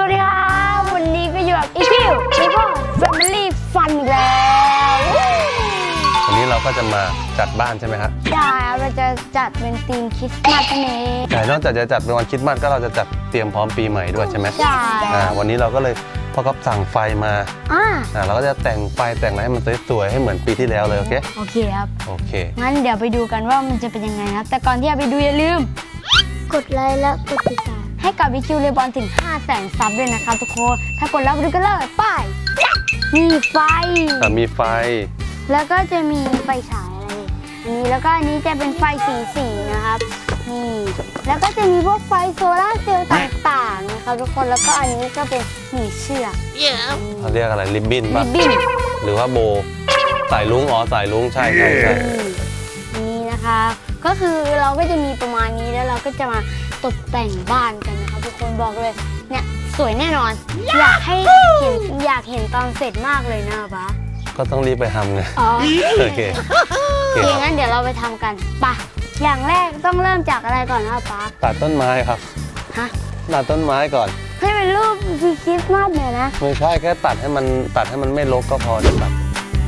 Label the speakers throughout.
Speaker 1: วัสดีครับวันนี้ก็อยู่กับอีคิวแล้วก็ Family Fun อีกแล้ว
Speaker 2: วันนี้เราก็จะมาจัดบ้านใช่ไหมครับ
Speaker 1: ใช่เราจะจัดเป็นธีมคริสต์มาสนั่นเอง
Speaker 2: แต่นอกจากจะจัดเป็นวันคริสต์มาสก็เราจะจัดเตรียมพร้อมปีใหม่ด้วยใช่ไหม
Speaker 1: ใช่
Speaker 2: วันนี้เราก็เลยพ่อก็สั่งไฟมาเราก็จะแต่งไฟแต่งอะไรให้มันสวยๆให้เหมือนปีที่แล้วเลยโอเค
Speaker 1: โอเคครับ
Speaker 2: โอเค
Speaker 1: งั้นเดี๋ยวไปดูกันว่ามันจะเป็นยังไงครับแต่ก่อนที่จะไปดูอย่าลืมกดไลค์และกดติดตามให้กับวิคิวเลบอนถึง 500,000 ซับด้วยนะครับทุกคนถ้ากดแล้วไปดูกันเลยไปมีไฟ
Speaker 2: มีไฟ
Speaker 1: แล้วก็จะมีไฟฉายอะไรนี้แล้วก็อันนี้จะเป็นไฟสีนะครับนี่แล้วก็จะมีพวกไฟโซลาร์เซลล์ต่างๆนะครับทุกคนแล้วก็อันนี้ก็เป็นหนีเชือก
Speaker 2: เขาเรียกอะไรริบบิ้นป่ะหรือว่าโบสายลุงสายลุงใช่
Speaker 1: นี่นะคะก็คือเราก็จะมีประมาณนี้แล้วเราก็จะมาตกแต่งบ้านกันนะครับทุกคนบอกเลยเนี่ยสวยแน่นอนอยากเห็นตอนเสร็จมากเลยนะป๊า
Speaker 2: ก็ต้องรีบไปทำไงโอเค
Speaker 1: งั้นเดี๋ยวเราไปทำกันไปอย่างแรกต้องเริ่มจากอะไรก่อนนะป๊า
Speaker 2: ตัดต้นไม้ครับตัดต้นไม้ก่อน
Speaker 1: ให้เป็นรูปคริสต์มาสเนี่ยนะ
Speaker 2: ไม่ใช่แค่ตัดให้มันไม่รกก็พอจะตัด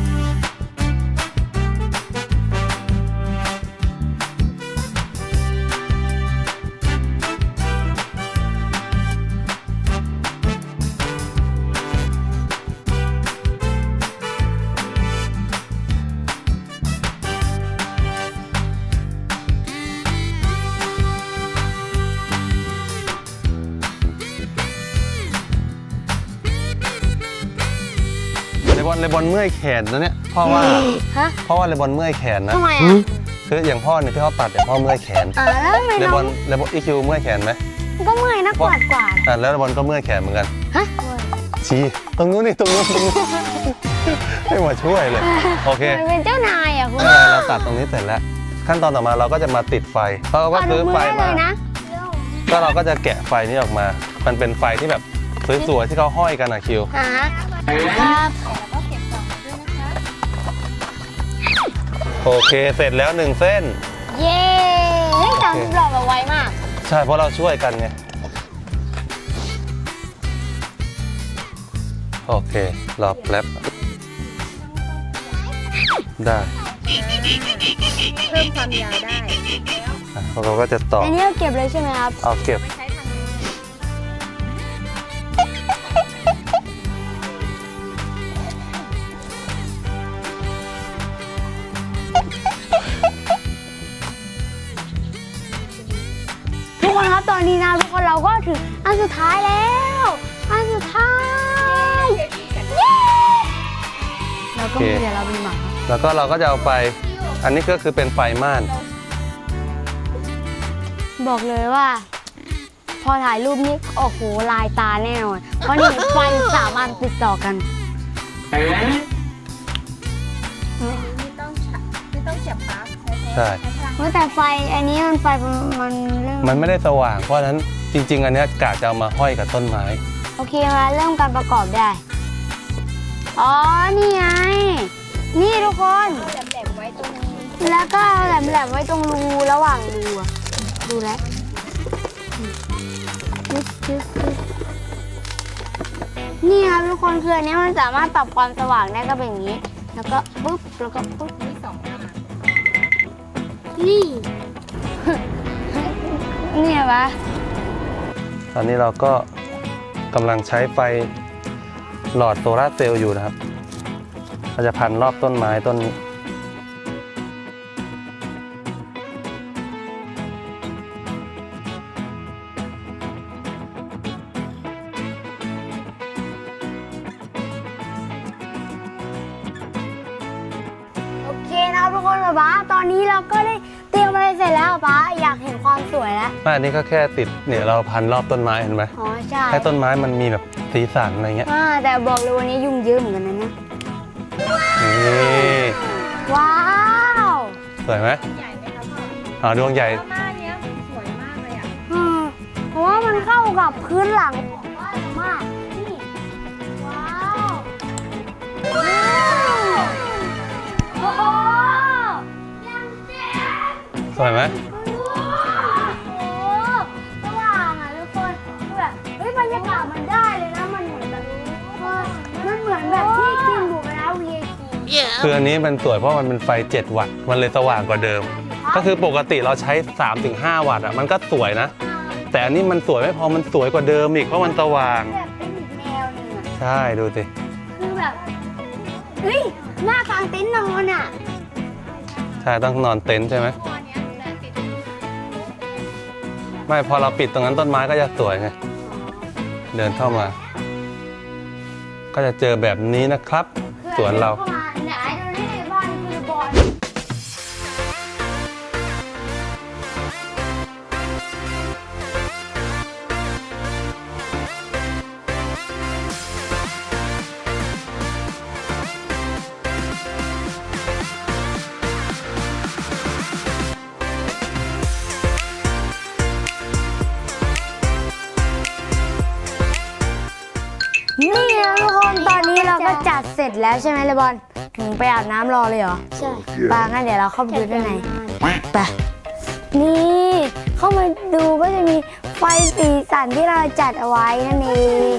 Speaker 2: เลบอนเมื่อยแขนนะเนี่ยเพราะว่าเลบอนเมื่อยแขนนะ
Speaker 1: ทำไม
Speaker 2: คืออย่างพ่อเนี่ยที่เขาตัดเนี่ยพ่อเมื่อยแขน
Speaker 1: แล้วทำไม
Speaker 2: เลบอนอีคิวเมื่อยแขนไหม
Speaker 1: ก็เมื่อยนะกวาด
Speaker 2: แล้วเลบอนก็เมื่อยแขนเหมือนกันชี้ตรงนู้นนี่ตรงนู้นไม่มาช่วยเลยโอเค
Speaker 1: เป็นเจ้านายอ่ะคุณ
Speaker 2: เราตัดตรงนี้เสร็จแล้วขั้นตอนต่อมาเราก็จะมาติดไฟเพราะก็ซื้อไฟมาก็เราก็จะแกะไฟนี้ออกมามันเป็นไฟที่แบบสวยๆที่เขาห้อยกันอะคิว
Speaker 1: ครับ
Speaker 2: โอเคเสร็จแล้ว1เส้น
Speaker 1: เย้ทำหล่อแบบไวมาก
Speaker 2: ใช่เพราะเราช่วยกันไงโอเครอแป๊บได้
Speaker 1: เพิ่มความยาวได้
Speaker 2: เราก็จะต่อ
Speaker 1: อันนี้เราเก็บเลยใช่ไหมครับ
Speaker 2: เอาเก็บ
Speaker 1: ทุกคนครับตอนนี้นะทุกคนเราก็ถึงอันสุดท้ายแล้วอันสุดท้ายเย้แล้วก็เดี๋ยวเรามีหมา
Speaker 2: แล้วก็เราก็จะเอาไปอันนี้ก็คือเป็นไฟม่าน
Speaker 1: บอกเลยว่าพอถ่ายรูปนี้โอ้โหลายตาแน่นอนเพราะนี่ไฟ3 อันติดต่อกัน
Speaker 3: ไม่ต้องเสียบปลั๊ก
Speaker 2: ใช่
Speaker 1: แต่ไฟอันนี้
Speaker 2: มันไม่ได้สว่างเพราะฉะนั้นจริงๆอันนี้กะจะเอามาห้อยกับต้นไม้
Speaker 1: โอเคมาเริ่มการประกอบได้อ๋อนี่ไงนี่ทุกคน
Speaker 3: แหลมไว้ตรงนี้
Speaker 1: แล้วก็แหลมไว้ตรงรูระหว่างรูดูแล้วนี่ครับทุกคนคืออันนี้มันสามารถปรับความสว่างได้ก็เป็นอย่างนี้แล้วก็ปุ๊บแล้วก็ปุ๊บ
Speaker 3: มี2 อัน
Speaker 1: นี่เนี่ยปะ
Speaker 2: ตอนนี้เราก็กำลังใช้ไฟหลอดโซลาร์เซลล์อยู่นะครับเราจะพันรอบต้นไม้ต้นนี้
Speaker 1: โอเคนะทุกคนป๊าตอนนี้เราก็ได้เตรียมอะไรเสร็จแล้วป๊าอยากเห็นความสวยแล้ว
Speaker 2: อันนี้ก็แค่ติดเนี่ยเราพันรอบต้นไม้เห็นไหม
Speaker 1: อ๋อใช่
Speaker 2: ให้ต้นไม้มันมีแบบสีสันอะไรเงี้ย
Speaker 1: แต่บอกเลยวันนี้ยุ่งเยอะเหมือนกันนะ
Speaker 2: นี่
Speaker 1: ว้าว
Speaker 2: สวยไหม
Speaker 3: ใหญ่ไหมคะพ่อ
Speaker 2: ดวงใหญ่
Speaker 3: หน้านี้สวยมากเลยอ่ะ
Speaker 1: เพราะว่ามันเข้ากับพื้นหลังมากนี่ว้าวโอ้โหยังเจ๋ง
Speaker 2: สวยไหม
Speaker 1: สว่างอ่ะทุกคนแบบบรรยากาศมันได้เลยนะมันเหมือนแบบมันเหมือนแบบที่กินหมูกระทะ VIP
Speaker 2: คืออันนี้มันสวยเพราะมันเป็นไฟ 7 วัตต์มันเลยสว่างกว่าเดิม ก็คือปกติเราใช้ 3-5 วัตต์มันก็สวยนะ แต่อันนี้มันสวยไม่พอมันสวยกว่าเดิมอีกเพราะมันสว่าง
Speaker 1: แบบเป็นอีกแนวหนึงอะ
Speaker 2: ใช่ดูสิ
Speaker 1: คือแบบเฮ้ยหน้ากลางเต็นท์นอนอ่ะ
Speaker 2: ใช่ต้องนอนเต็นท์ใช่ไหมไม่พอเราปิดตรงนั้นต้นไม้ก็จะสวยไงเดินเข้ามา ก็จะเจอแบบนี้นะครับสวนเรา
Speaker 1: เข้ามาไหนดูนี่บ้านคือบอล นี่นะทุกคนตอนนี้เราก็จัดเสร็จแล้วใช่ไหมเลบอลถึงไปอาบน้ำรอเลยเหรอ ใช่ปางั้นเดี๋ยวเราเข้าไปดูด้านในไปนี่เข้ามาดูก็จะมีไฟสีสันที่เราจัดเอาไว้นั่นเอง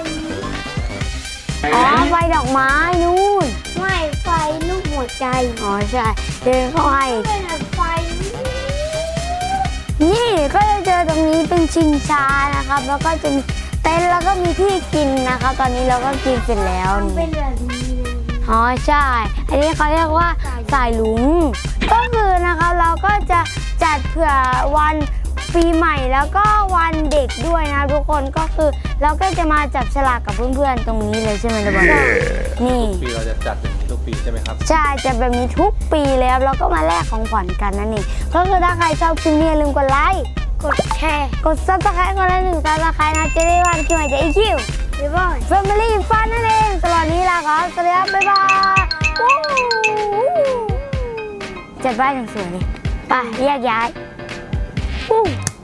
Speaker 1: อ๋อไฟดอกไม้นู่นไม่ไฟลูกหัวใจอ๋อใช่เดินเข้าให้ไฟนี่ก็จะเจอตรงนี้เป็นชิงช้านะครับแล้วก็จะมีเต็นท์แล้วก็มีที่กินนะคะตอนนี้เราก็กินเสร็จแล้วเป็นแบบนี้อ๋อใช่ อันนี้เขาเรียกว่าสายลุงก็คือนะคะเราก็จะจัดเผื่อวันปีใหม่แล้วก็วันเด็กด้วยนะทุกคนก็คือเราก็จะมาจับฉลากกับเพื่อนๆตรงนี้เลยใช่ไหมล่ะบอลนี่
Speaker 2: ปีเราจะจัดอย่างนี้ทุกปีใช่ไหมครับ
Speaker 1: ใช่จะแบบนี้ทุกปีเลยครับแล้วก็มาแลกของขวัญกันนั่นเองก็คือถ้าใครชอบคลิปนี้อย่าลืมกดไลค์กดแชร์กดซับสไครต์คนละ1 ซับสไครต์นะจะได้วันคลิปใหม่จากEQบ๊ายบาย Family Fun นั่นเองตลอดนี้ลาครับสวัสดีครับบ๊ายบายวู้จัดบ้านอย่างสวยเลยไปแยกย้าย